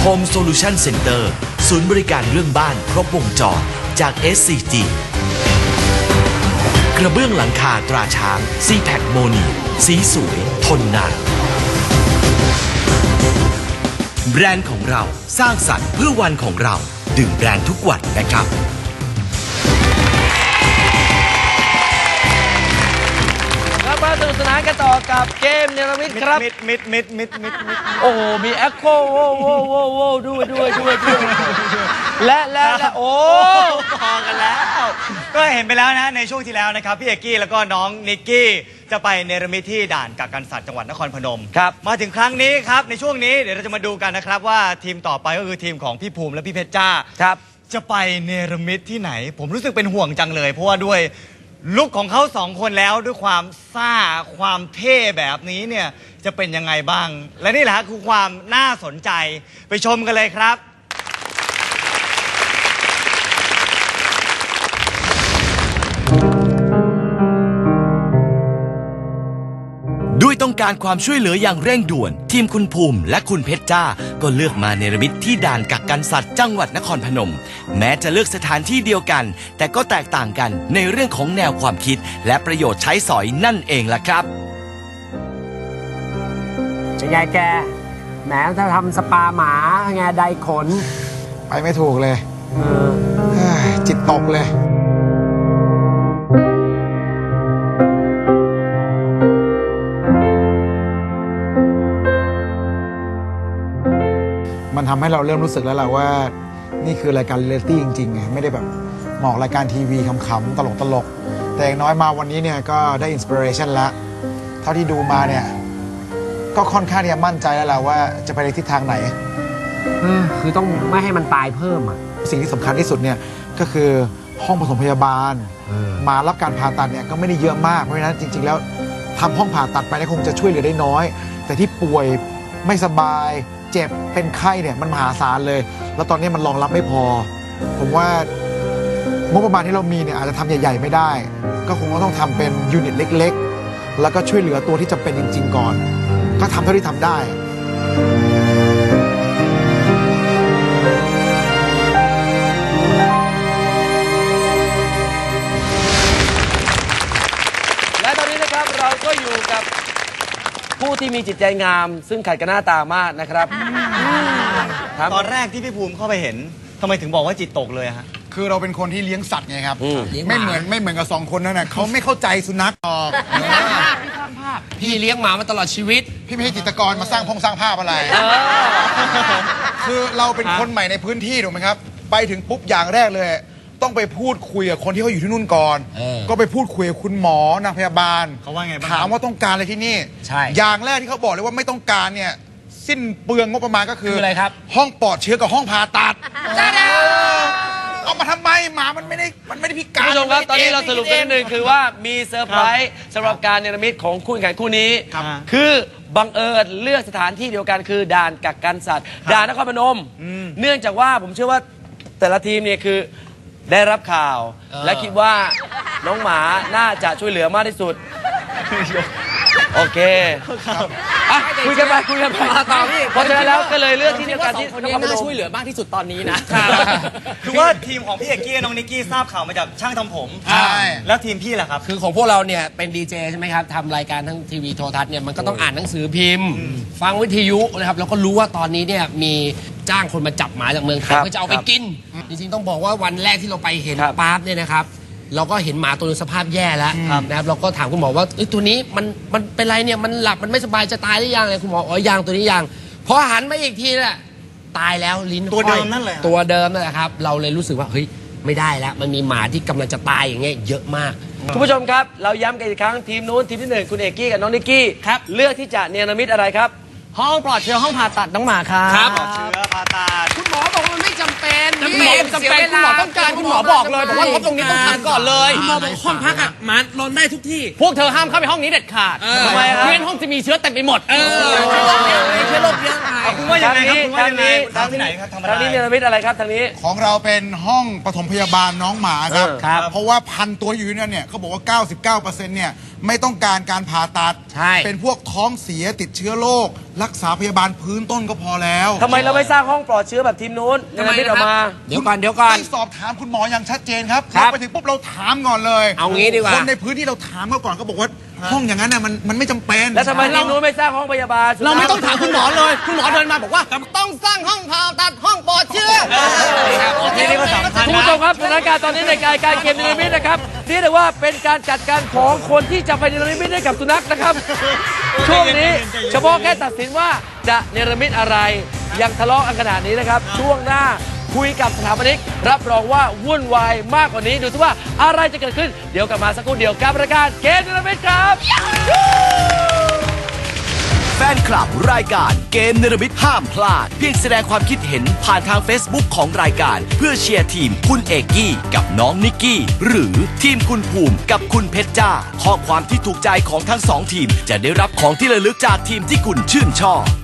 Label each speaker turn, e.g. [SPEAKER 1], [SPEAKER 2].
[SPEAKER 1] Home Solution Center ศูนย์บริการเรื่องบ้านครบวงจรจาก SCG กระเบื้องหลังคาตราช้าง C-Pack โมนีสีสวยทนนานแบรนด์ของเราสร้างสรรค์เพื่อวันของเราดื่มแบรนด์ทุกวันนะครับ
[SPEAKER 2] มาสนุกสนานกันต่อกับเกมเนรมิตครับ
[SPEAKER 3] มิด
[SPEAKER 2] โอ้โหมีแอคโคโว้ด้วยและโอ้
[SPEAKER 3] พอกันแล้ว ก็เห็นไปแล้วนะในช่วงที่แล้วนะครับพี่เอกกี้แล้วก็น้องนิกกี้จะไปเนรมิตที่ด่านกักกันสัตว์จังหวัดนครพนม
[SPEAKER 2] ครับ
[SPEAKER 3] มาถึงครั้งนี้ครับในช่วงนี้เดี๋ยวเราจะมาดูกันนะครับว่าทีมต่อไปก็คือทีมของพี่ภูมิและพี่เพชรจ้า
[SPEAKER 2] ครับ
[SPEAKER 3] จะไปเนรมิตที่ไหนผมรู้สึกเป็นห่วงจังเลยเพราะว่าด้วยลุคของเขาสองคนแล้วด้วยความซ่าความเท่แบบนี้เนี่ยจะเป็นยังไงบ้างและนี่แหละคือความน่าสนใจไปชมกันเลยครับ
[SPEAKER 1] ด้วยต้องการความช่วยเหลืออย่างเร่งด่วนทีมคุณภูมิและคุณเพชรจ้าก็เลือกมาเนรมิตที่ด่านกักกันสัตว์จังหวัดนครพนมแม้จะเลือกสถานที่เดียวกันแต่ก็แตกต่างกันในเรื่องของแนวความคิดและประโยชน์ใช้สอยนั่นเองล่ะครับ
[SPEAKER 4] จะไงแกแหมถ้าทำสปาหมาไงไดขน
[SPEAKER 5] ไปไม่ถูกเลยจิตตกเลยมันทำให้เราเริ่มรู้สึกแล้วแหละว่านี่คือรายการเรียลลิตี้จริงๆไงไม่ได้แบบเหมาะรายการทีวีขำๆตลกๆแต่อย่างน้อยมาวันนี้เนี่ยก็ได้อินสปิเรชันแล้วเท่าที่ดูมาเนี่ยก็ค่อนข้างที่จะมั่นใจแล้วแหละว่าจะไปในทิศทางไหน
[SPEAKER 4] คือต้องไม่ให้มันตายเพิ่มอ่ะ
[SPEAKER 5] สิ่งที่สำคัญที่สุดเนี่ยก็คือห้องปฐมพยาบาลมารับการผ่าตัดเนี่ยก็ไม่ได้เยอะมากเพราะฉะนั้นจริงๆแล้วทำห้องผ่าตัดไปเนี่ยคงจะช่วยเหลือได้น้อยแต่ที่ป่วยไม่สบายเจ็บเป็นไข้เนี่ยมันมหาศาลเลยแล้วตอนนี้มันรองรับไม่พอผมว่างบประมาณที่เรามีเนี่ยอาจจะทำใหญ่ๆไม่ได้ก็คงต้องทำเป็นยูนิตเล็กๆแล้วก็ช่วยเหลือตัวที่จำเป็นจริงๆก่อนก็ทำเท่าที่ทำได้
[SPEAKER 2] และตอนนี้นะครับเราก็อยู่กับผู้ที่มีจิตใจงามซึ่งขัดกับหน้าตามากนะครับ
[SPEAKER 3] ตอนแรกที่พี่ภูมิเข้าไปเห็นทำไมถึงบอกว่าจิตตกเลยฮะ
[SPEAKER 5] คือเราเป็นคนที่เลี้ยงสัตว์ไงครับไม่เหมือนกับ2คนนั่นน่ะเขาไม่เข้าใจสุนัขหรอก
[SPEAKER 4] พี่เลี้ยงหมามาตลอดชีวิต
[SPEAKER 5] พี่ไม่ใช่จิตรกรมาสร้างสร้างภาพอะไรคือเราเป็นคนใหม่ในพื้นที่ถูกไหมครับไปถึงปุ๊บอย่างแรกเลยต้องไปพูดคุยกับคนที่เขาอยู่ที่นู่นก่อนก็ไปพูดคุยกับคุณหมอนางพยาบาล
[SPEAKER 3] เขาว่าไงบ้าง
[SPEAKER 5] ถามว่าต้องการอะไรที่นี่
[SPEAKER 4] ใช่
[SPEAKER 5] อย่างแรกที่เขาบอกเลยว่าไม่ต้องการเนี่ยสิ้นเปลืองงบประมาณก็คือ
[SPEAKER 4] อะไรครับ
[SPEAKER 5] ห้องปลอดเชื้อกับห้องผ่าตัดเอามาทำไมหมามันไม่ได้พิการ
[SPEAKER 2] ผู้ชมครับตอนนี้เราสรุปกันนิดนึงคือว่ามีเซอร์ไพรส์สำหรับการเนรมิตของคู่แข่งคู่นี้คือบังเอิญเลือกสถานที่เดียวกันคือด่านกักกันสัตว์ด่านนครพนมเนื่องจากว่าผมเชื่อว่าแต่ละทีมเนี่ยคือได้รับข่าวและคิดว่าน้องหมาน่าจะช่วยเหลือมากที่สุดโอเคคุยกันไปต่อพี่เพราะฉะนั้นแล้วก็เลยเลือกที่เดียวกันที่
[SPEAKER 4] คนนี้น่าช่วยเหลือมากที่สุดตอนนี้นะ
[SPEAKER 3] คือว่าทีมของพี่เอกกี้น้องนิกกี้ทราบข่าวมาจากช่างทำผมใช่แล้วทีมพี่ล่ะครับ
[SPEAKER 4] คือของพวกเราเนี่ยเป็นดีเจใช่ไหมครับทำรายการทั้งทีวีโทรทัศน์เนี่ยมันก็ต้องอ่านหนังสือพิมพ์ฟังวิทยุนะครับแล้วก็รู้ว่าตอนนี้เนี่ยมีจ้างคนมาจับหมาจากเมืองไทยเพื่อจะเอาไปกินจริงๆต้องบอกว่าวันแรกที่เราไปเห็นปั๊บเนี่ยนะครับเราก็เห็นหมาตัวนึงสภาพแย่แล้วนะครับเราก็ถามคุณหมอว่าตัวนี้มันเป็นไรเนี่ยมันหลับมันไม่สบายจะตายหรือยังเลยคุณหมอยังตัวนี้ยังพอหันมาอีกทีน่ะตายแล้วลิ้น
[SPEAKER 3] ตัวเดิมนั่นแหละ
[SPEAKER 4] ตัวเดิมนั่นแหละครับเราเลยรู้สึกว่าเฮ้ยไม่ได้แล้วมันมีหมาที่กำลังจะตายอย่างเงี้ยเยอะมาก
[SPEAKER 2] คุณผู้ชมครับเราย้ำกันอีกครั้งทีมนู้นทีมที่1คุณเอกกี้กับน้องนิกกี้เลือกที่จะเนรมิตอะไรครับ
[SPEAKER 4] ห้องปลอดเชื้อห้องผ่าตัดน้องหมา
[SPEAKER 3] ครับปลอดเชื้อผ่าตัด
[SPEAKER 4] คุณหมอบอกว่ามันไม่จำเป็น
[SPEAKER 2] คุณหมอจำเป็นคุณหมอต้องการคุณหมอบอกเลยบอกว่างบตรงนี้ต้องทำก่อนเลย
[SPEAKER 4] คุณหมอบอกห้องพักอ่ะหมานอนได้ทุกที่
[SPEAKER 2] พวกเธอห้ามเข้าไปห้องนี้เด็ดขาดทำไมครับเพื่อนห้องจะมีเชื้อเต็มไปหมด
[SPEAKER 4] ไม่ใช่ชื้อโรคเยอะไง
[SPEAKER 3] คุณว่ายังไงครับคุณว่ายังไง
[SPEAKER 2] ทาง
[SPEAKER 3] ทำที่ไหนครับทำอะไร
[SPEAKER 2] ทางนี้เนรมิตอะไรครับทางนี้
[SPEAKER 6] ของเราเป็นห้องปฐมพยาบาลน้องหมาครับ
[SPEAKER 2] ครับ
[SPEAKER 6] เพราะว่าพันตัวอยู่นั่นเนี่ยเขาบอกว่า 99%เนี่ยไม่ต้องการการผ่าตัด
[SPEAKER 4] ใช่
[SPEAKER 6] เป็นพวกท้องเสียติดเชื้อโรครักษาพยาบาลพื้นต้นก็พอแล้ว
[SPEAKER 2] ทำไมเราไม่สร้างห้องปลอดเชื้อแบบทีมนู้นเนรมิตออกมา
[SPEAKER 4] เดี๋ยวก่อนเดี๋ยวก่อน
[SPEAKER 6] ได้สอบถามคุณหมออย่างชัดเจนครับ
[SPEAKER 4] ครับ
[SPEAKER 6] เราไปถึงปุ๊บเราถามก่อนเลย
[SPEAKER 4] เอางี้ดีกว่า
[SPEAKER 6] คนในพื้นที่เราถามเขาก่อนเขาบอกว่าห้องอย่างนั้นน่ะมันไม่จำเป็น
[SPEAKER 2] แล้วทำไมทีมนู้นไม่สร้างห้องพยาบาล
[SPEAKER 4] เราไม่ต้องถามคุณหมอเลย คุณหมอเดินมาบอกว่าต้องสร้างห้องผ่าตัดห้องปลอดเชื้อ
[SPEAKER 3] นี่ก็สำคัญ
[SPEAKER 2] คุณ
[SPEAKER 3] นะ
[SPEAKER 2] ผู้ชมครับสถานการณ์ตอนนี้ในการเกมเนรมิตนะครับนี่ถือว่าเป็นการจัดการของคนที่จะไปเนรมิตให้กับสุนัขนะครับ ช่วงนี้เฉพาะแค่ตัดสินว่าจะเนรมิตอะไรยังทะเลาะกันขนาดนี้นะครับ ช่วงหน้าคุยกับสถาปนิกรับรองว่าวุ่นวายมากกว่านี้ดูซิว่าอะไรจะเกิดขึ้นเดี๋ยวกลับมาสักครู่เดียวกับรายการเกมเนรมิตครับ
[SPEAKER 1] แฟนคลับรายการเกมเนรมิตห้ามพลาด เพียงแสดงความคิดเห็นผ่านทาง Facebook ของรายการ เพื่อเชียร์ทีมคุณเอกกี้กับน้องนิกกี้ หรือทีมคุณภูมิกับคุณเพชรจ้า ข้อความที่ถูกใจของทั้งสองทีม จะได้รับของที่ระลึกจากทีมที่คุณชื่นชอบ